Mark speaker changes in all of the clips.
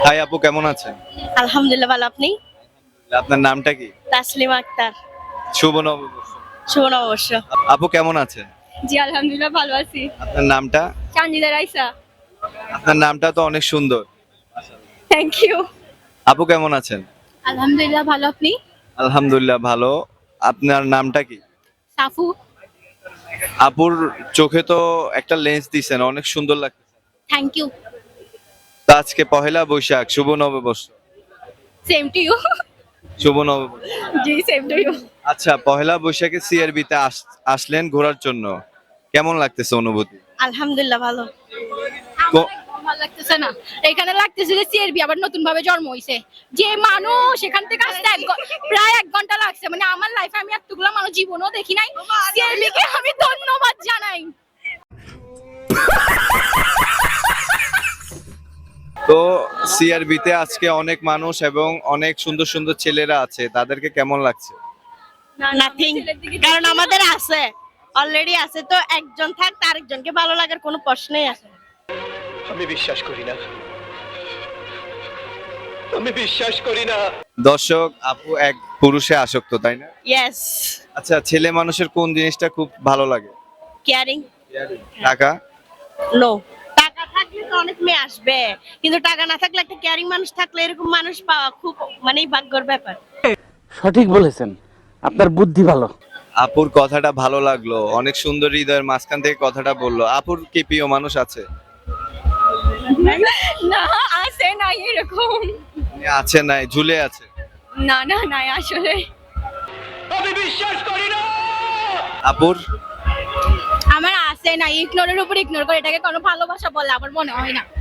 Speaker 1: High আপু, কেমন আছেন?
Speaker 2: আলহামদুলিল্লাহ ভালো। আপনি?
Speaker 1: আপনার নামটা কি?
Speaker 2: তাসলিমা আক্তার।
Speaker 1: শুভ নববর্ষ।
Speaker 2: শুভ নববর্ষ।
Speaker 1: আপু কেমন আছেন?
Speaker 2: জি আলহামদুলিল্লাহ ভালো আছি।
Speaker 1: আপনার নামটা?
Speaker 2: চান্দিদা রাইসা।
Speaker 1: আপনার নামটা তো অনেক সুন্দর।
Speaker 2: Thank you.
Speaker 1: আপু কেমন আছেন?
Speaker 2: আলহামদুলিল্লাহ ভালো। আপনি?
Speaker 1: আলহামদুলিল্লাহ ভালো। আপনার নামটা কি?
Speaker 2: সাফু।
Speaker 1: আপুর চোখে তো একটা লেন্স দিছেন, অনেক সুন্দর লাগছে।
Speaker 2: Thank you.
Speaker 1: তো আজকে পহেলা বৈশাখ, শুভ নববর্ষ।
Speaker 2: Same to you.
Speaker 1: শুভ নববর্ষ।
Speaker 2: জি সেম টু ইউ।
Speaker 1: আচ্ছা, পহেলা বৈশাখে সিআরবি তে আসলেন ঘোরার জন্য, কেমন লাগতেছে অনুভূতি?
Speaker 2: আলহামদুলিল্লাহ ভালো।
Speaker 1: কো-
Speaker 2: ভালো লাগতেছে না। এখানে লাগতেছে যে সিআরবি আবার নতুন ভাবে জন্ম হইছে। যে মানুষ এখান থেকে আসতে প্রায় 1 ঘন্টা লাগছে। মানে আমার লাইফে আমি এতগুলো মানুষ জীবনও দেখি নাই। সিআরবি কে আমি ধন্যবাদ জানাই।
Speaker 1: তো সিআরবি তে আজকে অনেক মানুষ এবং অনেক সুন্দর সুন্দর ছেলেরা আছে, তাদেরকে কেমন লাগছে?
Speaker 2: নাথিং। কারণ আমাদের আছে, অলরেডি আছে। তো একজন থাক, তার একজনকে ভালো লাগার কোনো প্রশ্নই আসে না।
Speaker 3: আমি বিশ্বাস করি না, আমি বিশ্বাস করি না।
Speaker 1: দর্শক, আপু এক পুরুষে আসক্ত, তাই না?
Speaker 2: ইয়েস।
Speaker 1: আচ্ছা, ছেলে মানুষের কোন জিনিসটা খুব ভালো লাগে?
Speaker 2: কেয়ারিং।
Speaker 1: টাকা?
Speaker 2: নো। টাকা থাকলে তো অনেক মেয়ে আসবে, কিন্তু টাকা না থাকলে একটা কেয়ারিং মানুষ থাকলে এরকম মানুষ পাওয়া খুব ভাগ্যের ব্যাপার।
Speaker 4: সঠিক বলেছেন, আপনার বুদ্ধি ভালো।
Speaker 1: আপুর কথাটা ভালো লাগলো, অনেক সুন্দর, হৃদয়ের মাঝখান থেকে কথাটা বললো। আপুর কি প্রিয় মানুষ আছে?
Speaker 2: না, আছে নাই এরকম।
Speaker 1: আছে নাই, ঝুলে আছে?
Speaker 2: না না নাই আসলে।
Speaker 3: আমি বিশ্বাস করি না।
Speaker 1: আপুর?
Speaker 2: আমার আছে না, ইগনোরের উপর ইগনোর করে এটাকে কোনো ভালোবাসা বলে আমার মনে হয় না।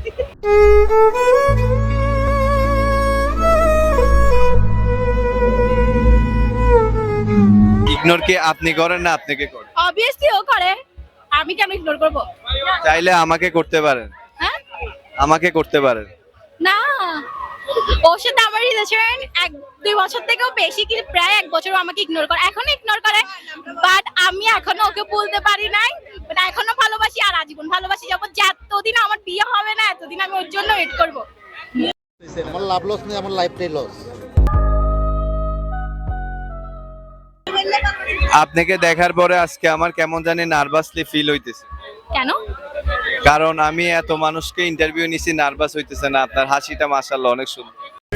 Speaker 1: ইগনোর কি আপনি করেন না আপনাকে করে?
Speaker 2: অবভিয়াসলি ও করে, আমি কেন ইগনোর করব?
Speaker 1: চাইলে আমাকে করতে পারেন,
Speaker 2: হ্যাঁ?
Speaker 1: আমাকে করতে পারেন।
Speaker 2: না, ওর সাথে আমার রিলেশন 1-2 বছর থেকেও বেশি, কি প্রায় 1 বছর আমাকে ইগনোর করে, এখনো ইগনোর করে। বাট আমি এখনো ওকে বলতে পারি নাই। বাট এখনো ভালোবাসি, আর আজীবন ভালোবাসি যাব। যতদিন আমার বিয়ে হবে না এতদিন আমি ওর জন্য ওয়েট করব।
Speaker 5: আমার লাভ লস নেই, আমার লাইফটাই লস।
Speaker 1: আপনাকে দেখার পরে আজকে আমার কেমন জানি নার্ভাসলি ফিল হইতেছে।
Speaker 2: কেন?
Speaker 1: কারণ আমি এত মানুষকে ইন্টারভিউ নিছি, নার্ভাস হইতেছে না। আপনার হাসিটা মাশাআল্লাহ অনেক সুন্দর।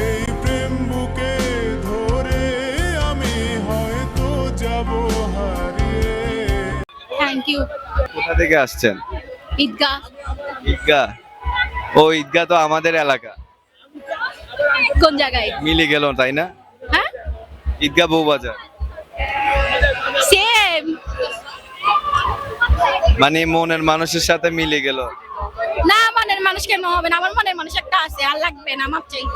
Speaker 2: Thank you.
Speaker 1: কোথা থেকে আসছেন?
Speaker 2: ঈদগাহ।
Speaker 1: ঈদগাহ? ও, ঈদগাহ তো আমাদের এলাকা।
Speaker 2: কোন জায়গায়?
Speaker 1: মিলে গেল, তাই না?
Speaker 2: হ্যাঁ,
Speaker 1: ঈদগাহ বউবাজার।
Speaker 2: সেম।
Speaker 1: মানে মনের মানুষের সাথে মিলে গেল।
Speaker 2: না, মনের মানুষ কেন হবে না? আমার মনের মানুষ একটা আছে, আর লাগবে না, মাপ চাই।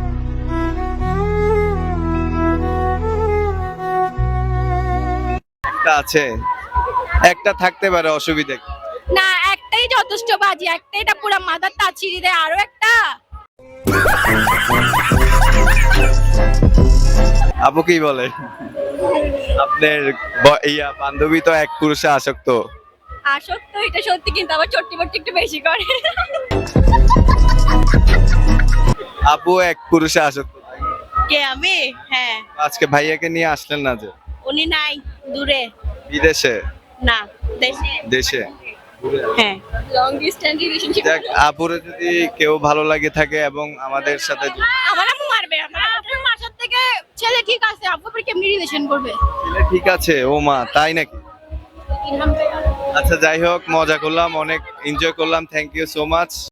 Speaker 1: একটা আছে, একটা থাকতে পারে, অসুবিধা কি?
Speaker 2: না, একটাই যথেষ্ট বাজি, একটাই, এটা পুরো মাথার তা ছিঁড়ে দেয়। আরো একটা।
Speaker 1: আপু কি বলে? আপনার বান্ধবী তো এক পুরুষে আসক্ত।
Speaker 2: আসক্ত এটা সত্যি, কিন্তু আবার চট্টি বট্টি একটু বেশি করে।
Speaker 1: আপু এক পুরুষে আসক্ত।
Speaker 2: কে, আমি? হ্যাঁ।
Speaker 1: আজকে ভাইয়াকে নিয়ে আসলেন না যে?
Speaker 2: উনি নাই, দূরে।
Speaker 1: বিদেশে?
Speaker 2: না, দেশে।
Speaker 1: দেশে?
Speaker 2: হ্যাঁ, লং ডিসটেন্স রিলেশনশিপ।
Speaker 1: দেখ, আপুরে যদি কেউ ভালো লাগে থাকে এবং আমাদের সাথে
Speaker 2: আমার আম্মু মারবে। আমার আপুর মাসার থেকে ছেলে ঠিক আছে, আপু পরে কেমনি রিলেশন করবে?
Speaker 1: ছেলে ঠিক আছে, ও মা, তাই নাকি? আচ্ছা, যাই হোক, মজা করলাম, অনেক এনজয় করলাম। Thank you so much.